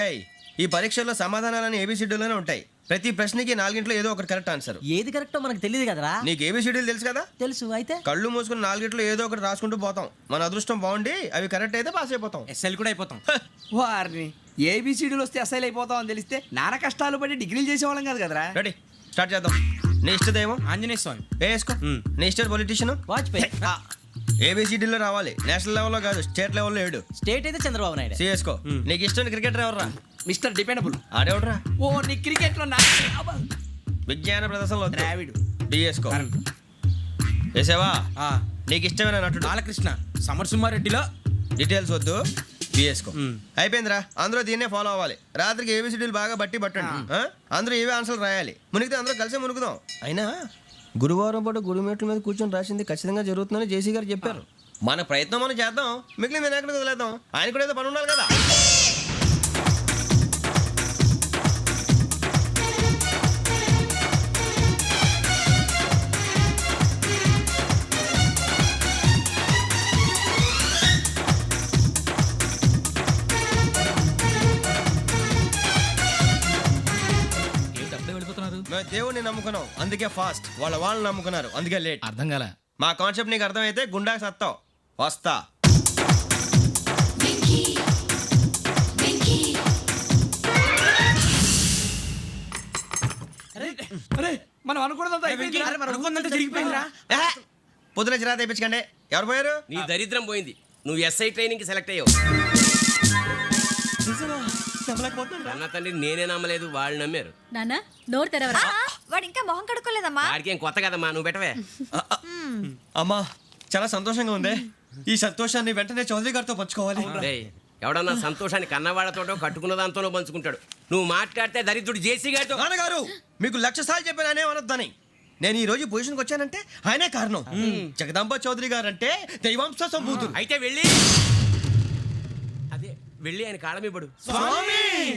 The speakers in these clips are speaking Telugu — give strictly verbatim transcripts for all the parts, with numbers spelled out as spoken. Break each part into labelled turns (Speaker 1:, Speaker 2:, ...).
Speaker 1: ఈ పరీక్షల్లో సమాధానాలని ఏబిసిడ్యూల్లోనే ఉంటాయి. ప్రతి ప్రశ్నకి నాలుగింట్లో ఏదో ఒకటి కరెక్ట్ ఆన్సర్.
Speaker 2: ఏది కరెక్టో మనకు తెలియదు కదరా.
Speaker 1: నీకు ఏబిసిడ్యూల్ తెలుసు కదా?
Speaker 2: తెలుసు. అయితే
Speaker 1: కళ్ళు మూసుకుని నాలుగింట్లో ఏదో ఒకటి రాసుకుంటూ పోతాం. మన అదృష్టం బాగుండి అవి కరెక్ట్ అయితే పాస్ అయిపోతాం.
Speaker 3: ఎస్ఎల్ కూడా అయిపోతాం.
Speaker 4: వారిని ఏబిసిడీలు వస్తే అసైల్ అయిపోతాం అని తెలిస్తే నాన్న కష్టాలు పడి డిగ్రీలు చేసేవాళ్ళం కాదు కదరా.
Speaker 1: రెడీ, స్టార్ట్ చేద్దాం. నీ ఇష్టదేమో
Speaker 3: ఆంజనేయ స్వామి.
Speaker 1: వేసుకో. నీ ఇష్ట పొలిటీషియన్
Speaker 2: వాజ్పేయి.
Speaker 1: ఏబిసిడీలో రావాలి, నేషనల్ లెవెల్లో కాదు, స్టేట్ లెవెల్లో ఏడు.
Speaker 2: స్టేట్ అయితే చంద్రబాబు నాయుడు.
Speaker 1: సిఎస్కో. నీకు ఇష్టం క్రికెటర్ ఎవర్రా?
Speaker 4: Mister dependable.
Speaker 1: ఆడేవడరా?
Speaker 4: ఓ నీ క్రికెట్ లో
Speaker 1: విజ్ఞాన ప్రదర్శనలో
Speaker 4: ద్రావిడు.
Speaker 1: డిఎస్కో. వేసావా? నీకు ఇష్టమైన నటుడు?
Speaker 3: బాలకృష్ణ. సమర్సుమారెడ్డిలో
Speaker 1: డీటెయిల్స్ వద్దు, బిఎస్కో. అయిపోయిందిరా, అందరూ దీన్నే ఫాలో అవ్వాలి. రాత్రికి ఏబిసిడీలు బాగా బట్టి పట్టండి. ఆ? అందరూ ఏవే ఆన్సర్లు రాయాలి. మునిగితే అందరూ కలిసి మునుగుదాం. అయినా గురువారం పాటు గురుమేట్ల మీద కూర్చొని రాసింది ఖచ్చితంగా జరుగుతుందని జేసీ గారు చెప్పారు. మన ప్రయత్నం మనం చేద్దాం, మిగిలింది నేను ఎక్కడికి వదిలేద్దాం. ఆయన కూడా ఏదో పని ఉండాలి కదా. మేము దేవుడిని నమ్ముకున్నాం, అందుకే ఫాస్ట్. వాళ్ళ వాళ్ళని నమ్ముకున్నారు, అందుకే లేట్.
Speaker 3: అర్థం కాల.
Speaker 1: మా కాన్సెప్ట్ నీకు అర్థమైతే గుండా సత్తావు. వస్తా.
Speaker 4: మనం అనుకున్నదంతా అయిపోయిందిరా.
Speaker 3: జరిగిపోయిందిరా.
Speaker 1: పొద్దున చిరా తెప్పించకండి. ఎవరు పోయారు?
Speaker 5: నీ దరిద్రం పోయింది. నువ్వు ఎస్ఐ ట్రైనింగ్ సెలెక్ట్ అయ్యావు. అన్న తండ్రి నేనే నమ్మలేదు, వాళ్ళు నమ్మారు.
Speaker 6: నాన్న నోరు తెరవరా.
Speaker 7: వాడు ఇంకా మొహం కడుక్కోలేదమ్మా.
Speaker 5: వాడికి ఏం కొత్త కదమ్మా, నువ్వు పెట్టవే.
Speaker 1: అమ్మా చాలా సంతోషంగా ఉంది. ఈ సంతోషాన్ని వెంటనే చౌదరి గారితో పంచుకోవాలి.
Speaker 5: డేయ్, ఎవడన్నా సంతోషాన్ని కన్నవాళ్లతోటో కట్టుకున్న దాంతోనో పంచుకుంటాడు. నువ్వు మాట్లాడితే దరిద్రుడు జేసీ గారితో.
Speaker 1: నాన్నగారు మీకు లక్ష సార్లు చెప్పాను అనే అనొద్దని. నేను ఈ రోజు పొజిషన్కి వచ్చానంటే ఆయనే కారణం. జగదాంబ చౌదరి గారు అంటే దైవాంశ సంభూతుడు.
Speaker 5: అయితే వెళ్ళి అదే వెళ్ళి ఆయన కాళ్ళమివ్వడు.
Speaker 1: స్వామి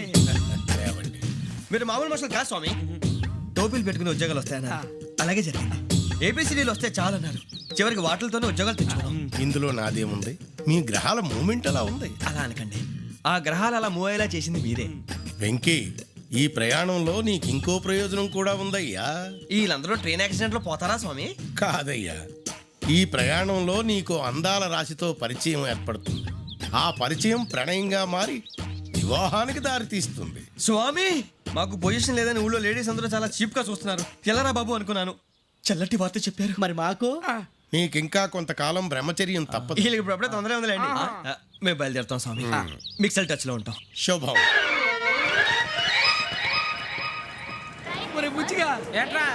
Speaker 1: మీరు మామూలు మనుషులు కాదు స్వామి. టోపీలు పెట్టుకుని ఉద్యోగాలు వస్తాయన్నారు, అలాగే జరిగింది. ఏబిసిడీలు వస్తే చాలన్నారు, చివరికి వాటిలతోనే ఉద్యోగాలు తెచ్చుకున్నాం.
Speaker 8: ఇందులో నాదేముంది? మీ గ్రహాల మూమెంట్ అలా ఉంది.
Speaker 1: అలా అనకండి, ఆ గ్రహాలు అలా మూవ్ అయ్యేలా చేసింది మీరే.
Speaker 8: వెంకీ, ఈ ప్రయాణంలో నీకు ఇంకో ప్రయోజనం కూడా ఉందయ్యా.
Speaker 1: వీళ్ళందరూ ట్రైన్ యాక్సిడెంట్ లో పోతారా స్వామి?
Speaker 8: కాదయ్యా, ఈ ప్రయాణంలో నీకు అందాల రాశితో పరిచయం ఏర్పడుతుంది. ఆ పరిచయం ప్రణయంగా మారి వివాహానికి దారితీస్తుంది.
Speaker 1: స్వామి మాకు పొజిషన్ లేదని ఊళ్ళో లేడీస్ అందరూ చాలా చీప్ గా చూస్తున్నారు. ఎలారా బాబు అనుకున్నాను, చల్లటి వార్త చెప్పారు.
Speaker 2: మరి మాకు
Speaker 8: నీకింకా కొంతకాలం బ్రహ్మచర్యం తప్పదు.
Speaker 1: వీళ్ళకి ఇప్పుడు అప్పుడే తొందరగా ఉందిలేండి. ఆ, మేము బయలుదేరుతాం స్వామి. మిక్సెల్ టచ్ లో ఉంటాం.
Speaker 8: శుభం.
Speaker 4: మరి బుచ్చిగా
Speaker 3: ఏట్రా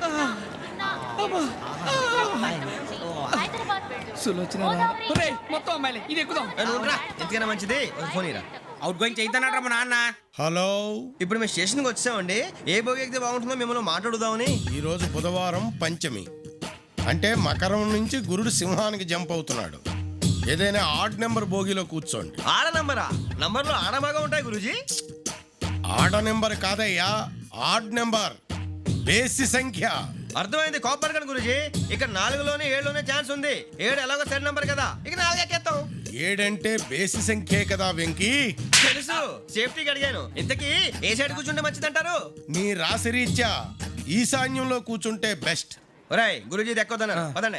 Speaker 4: సులోచన మొత్తం అమ్మాయిలే, ఇది ఎక్కుదాం.
Speaker 1: ఏ, నువ్వు రా. ఎందుకైనా మంచిది ఒక ఫోన్ ఇరా.
Speaker 3: అవుట్ గోయింగ్ చేద్దానట్రా మా నాన్న.
Speaker 8: హలో,
Speaker 1: ఇప్పుడు మేము స్టేషన్కి వచ్చామండి. ఏ బోగి ఎక్కితే బాగుంటుందో మిమ్మల్ని మాట్లాడుదామని.
Speaker 8: ఈరోజు బుధవారం పంచమి, అంటే మకరం నుంచి గురుడు సింహానికి జంప్ అవుతున్నాడు. ఏదైనా ఆడ్ నెంబర్ బోగిలో కూర్చోండి.
Speaker 1: ఆడ నంబరా? నంబర్లో ఆడ బాగా ఉంటాయి గురూజీ.
Speaker 8: ఆడ నెంబర్ కాదయ్యా, ఆడ్ నెంబర్, బేసి సంఖ్య.
Speaker 1: అర్థమైంది, కాపర్ కన్ గురూజీ. ఇక్కడ నాలుగులోనే ఏడులోనే ఛాన్స్ ఉంది. ఏడు ఎలాగో సెడ్ నంబర్ కదా, ఇక నాలుగు ఎక్కేస్తాం.
Speaker 8: ఏడంటే బేసి సంఖ్యే కదా వెంకీ.
Speaker 1: తెలుసు, సేఫ్టీకి అడిగాను. ఇంతకీ ఏ సైడ్ కూర్చుంటే మంచిదంటారు?
Speaker 8: నీ రాశి రీత్యా ఈశాన్యంలో కూర్చుంటే బెస్ట్.
Speaker 1: ఒరేయ్ గురూజీ దెక్కొద్దన్నారు, పదండి.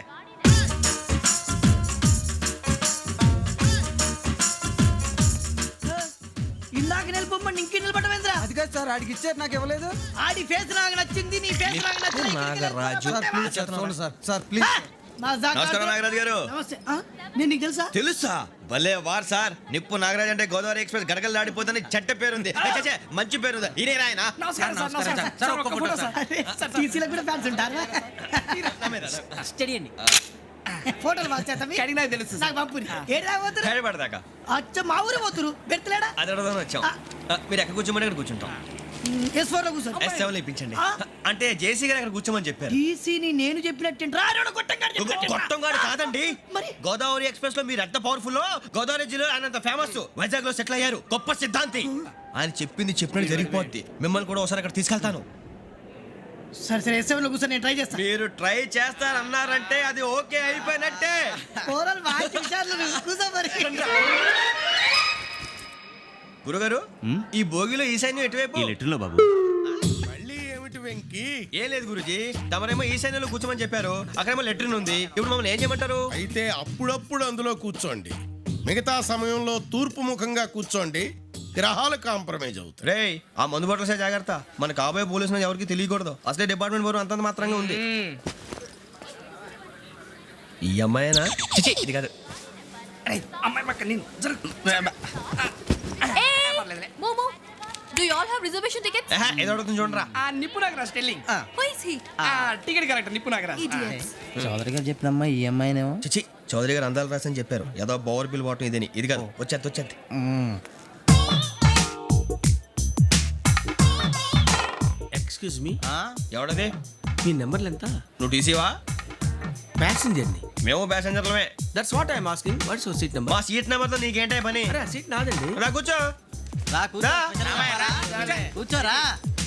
Speaker 2: ఇందాక నిలబొమ్మని ఇంకే నిలబడమేంద్రా.
Speaker 4: అది కాదు సార్, ఆడికి ఇచ్చారు, నాకు ఇవ్వలేదు.
Speaker 2: ఆడి ఫేస్ నాకు నచ్చింది, నీ ఫేస్ నాకు నచ్చింది.
Speaker 1: నాగరాజు.
Speaker 4: Sir sir please.
Speaker 1: నమస్కారం నాగరాజు గారు.
Speaker 2: నమస్తే. ఆ, నేను నీకు తెలుసా?
Speaker 1: తెలుసా? భలే వార్ సార్. నిప్పు నాగరాజ్ అంటే గోదావరి ఎక్స్ప్రెస్ గడగలు దాడిపోతుంది చెట్ట పేరుంది. ఛే, ఛే, మంచి పేరుంది. ఇదే ఆయన.
Speaker 4: నమస్కారం సార్, నమస్కారం సార్. ఒక్క ఫోటో సార్.
Speaker 2: సార్ టీసీలో కూడా ఫ్యాన్స్ ఉంటారా? స్టడీ అండి. ఫోటోలు బాగా చేస్తాం.
Speaker 4: కడిగినా తెలుసు సార్.
Speaker 2: నాకు పంపుని. ఏడా పోతురు?
Speaker 1: హైదరాబాద్దాకా.
Speaker 2: అచ్చ మా ఊరు పోతురు. పెడతలేడా?
Speaker 1: అది అడగదామని వచ్చాం. ఆ, మీరు ఎక్కడ కూర్చోమని అక్కడ కూర్చుంటాం.
Speaker 2: ఎస్ ఫోర్ లో కూర్చోండి.
Speaker 1: ఎస్ సెవెన్ లో ఇప్పించండి.
Speaker 2: ఆ?
Speaker 1: అంటే జేసీ గారు అక్కడ కూర్చోమని చెప్పారు.
Speaker 2: టీసీని నేను చెప్పినట్టు రాడు కొట్టంగాడు
Speaker 1: గొట్టం గారు కాదండి.
Speaker 2: మరి?
Speaker 1: గోదావరి ఎక్స్ప్రెస్ లో మీరు ఎంత పవర్ఫుల్, గోదావరి జిల్లా ఆయన ఫేమస్. వైజాగ్ లో సెటిల్ అయ్యారు, గొప్ప సిద్ధాంతి. ఆయన చెప్పింది చెప్పినట్టు జరిగిపోద్ది. మిమ్మల్ని కూడా ఒకసారి అక్కడ తీసుకెళ్తాను.
Speaker 2: సరే సరే ఎస్ సెవెన్ లో కూర్చొని నేను ట్రై చేస్తాను.
Speaker 1: మీరు ట్రై చేస్తారన్నారంటే అది ఓకే అయిపోయినట్టే.
Speaker 2: ఓవరాల్ బాగా చూశారు. కూర్చో మరి.
Speaker 1: గురుగారు ఈ భోగిలో ఈశాన్యం ఎటువైపు
Speaker 6: లెటర్లో బాబు
Speaker 8: మళ్ళీ ఏమిటి వెంకీ
Speaker 1: ఏం లేదు గురుజీ తమరేమో ఈశాన్యంలో కూర్చోమని చెప్పారు అక్కడేమో లెట్రిన్ ఉంది ఇప్పుడు మమ్మల్ని ఏం చేయమంటారు
Speaker 8: అయితే అప్పుడప్పుడు అందులో కూర్చోండి మిగతా సమయంలో తూర్పు ముఖంగా కూర్చోండి గ్రహాలు కాంప్రమైజ్ అవుతాయి
Speaker 1: రేయ్ ఆ మందు బాటలసే జాగ్రత్త మన కాబోయే పోలీసులు ఎవరికి తెలియకూడదు అసలే డిపార్ట్మెంట్ బోరు అంతంత మాత్రంగా ఉంది ఈ అమ్మాయినా చిచి, ఇది కాదు
Speaker 4: అమ్మాయి పక్క నేను జరుగు.
Speaker 7: మోమో do you all have reservation tickets
Speaker 1: ఏహే, ఏదో అడుగుతుంది చూడరా
Speaker 4: ఆ నిప్పు Nagaraj telling
Speaker 7: who is he
Speaker 4: ఆ టికెట్ కరెక్ట్ నిప్పు నాగరాజ్
Speaker 7: ఇడియట్స్
Speaker 2: చౌదరి గారు చెప్పినమ్మా ఈ అమ్మాయినేమో
Speaker 1: చిచి చౌదరి గారు అందాలు రాసని చెప్పారు ఏదో బోర్ బిల్ బాటం ఇదని ఇది కాదు వచ్చేది వచ్చేది
Speaker 3: ఎక్స్క్యూజ్ మీ
Speaker 1: ఎవడది
Speaker 3: మీ నెంబర్లు ఎంత
Speaker 1: నువ్వు టీసీవా
Speaker 3: ప్యాసింజర్ ని
Speaker 1: మేము ప్యాసెంజర్లమే
Speaker 3: that's what I'm asking what's your seat number
Speaker 1: మా సీట్ నెంబర్తో నీకేంటే పని
Speaker 3: అరే సీట్ నాదండి
Speaker 1: రా కూర్చో
Speaker 2: రా కూర్చో
Speaker 1: రా.
Speaker 2: కూర్చోరా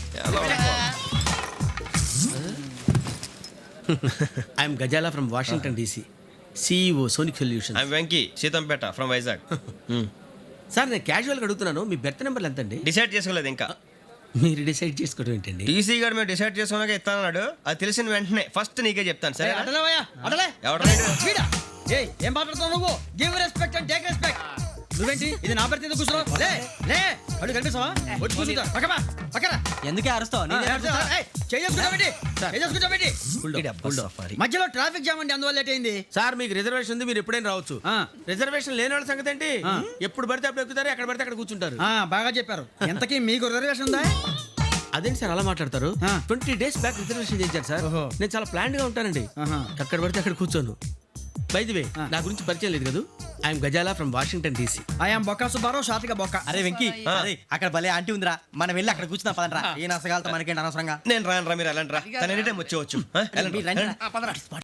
Speaker 3: I'm Gazala from Washington DC CEO Sonic solution
Speaker 1: I'm Venky Seethampeta from Vizag
Speaker 3: sir నేను క్యాజువల్గా అడుగుతున్నాను మీ బెర్త్ నెంబర్లు ఎంత అండి
Speaker 1: డిసైడ్ చేసుకోలేదు ఇంకా
Speaker 3: మీరు డిసైడ్ చేసుకోవడం ఏంటండి
Speaker 1: టీసీ గారు మేము డిసైడ్ చేసుకున్నాక ఇస్తానన్నాడు అది తెలిసిన వెంటనే ఫస్ట్ నీకే చెప్తాను సరే
Speaker 2: అడలేవయ్యా అడలే
Speaker 1: ఎవడ
Speaker 2: వీడా ఏయ్ ఏం మాట్లాడుతున్నావు నువ్వు give respect and take respect నువ్వేంటి ఇది నా పరిస్థితి ఎందుకు కూర్చున్నావు లే లే అడుగు కనిపిస్తావా వచ్చి కూర్చుంటా పక్కమా పక్కన ఎందుకే అరుస్తావు మధ్యలో ట్రాఫిక్ జామ్ అండి అందువల్ల లేట్ అయింది
Speaker 3: సార్ మీకు రిజర్వేషన్ ఉంది మీరు ఎప్పుడైనా రావచ్చు రిజర్వేషన్ లేని వాళ్ళ సంగతి ఏంటి ఎప్పుడు పడితే అప్పుడు ఎక్కుతారు ఎక్కడ పడితే అక్కడ కూర్చుంటారు
Speaker 2: ఆ, బాగా చెప్పారు ఎంతకీ మీకు రిజర్వేషన్ ఉందా
Speaker 3: అదేంటి సార్ అలా మాట్లాడతారు
Speaker 2: ఆ.
Speaker 3: ట్వంటీ డేస్ బ్యాక్ రిజర్వేషన్ చేశారు సార్
Speaker 2: ఓహో.
Speaker 3: నేను చాలా ప్లాన్డ్ గా ఉంటానండి
Speaker 2: ఆహా.
Speaker 3: అక్కడ పడితే అక్కడ కూర్చోను బై ది వే నా గురించి పరిచయం లేదు కదా I'm Gazala from Washington DC
Speaker 2: I'm Bokka Subbarao షాతిక బొక్క
Speaker 9: అరే వెంకీ అరే అక్కడ భలే ఆంటీ ఉందిరా మనం వెళ్ళి అక్కడ కూర్చున్నా పదంరా ఏ నసగాలతో మనకేంటి అనవసరంగా
Speaker 1: నేను రాను రా మీరు ఎలాంటి రా తన ఎనీ టైం వచ్చేవచ్చు ఆ, వెళ్ళండి,
Speaker 9: మీరు రండి రా.
Speaker 1: వెళ్ళండి.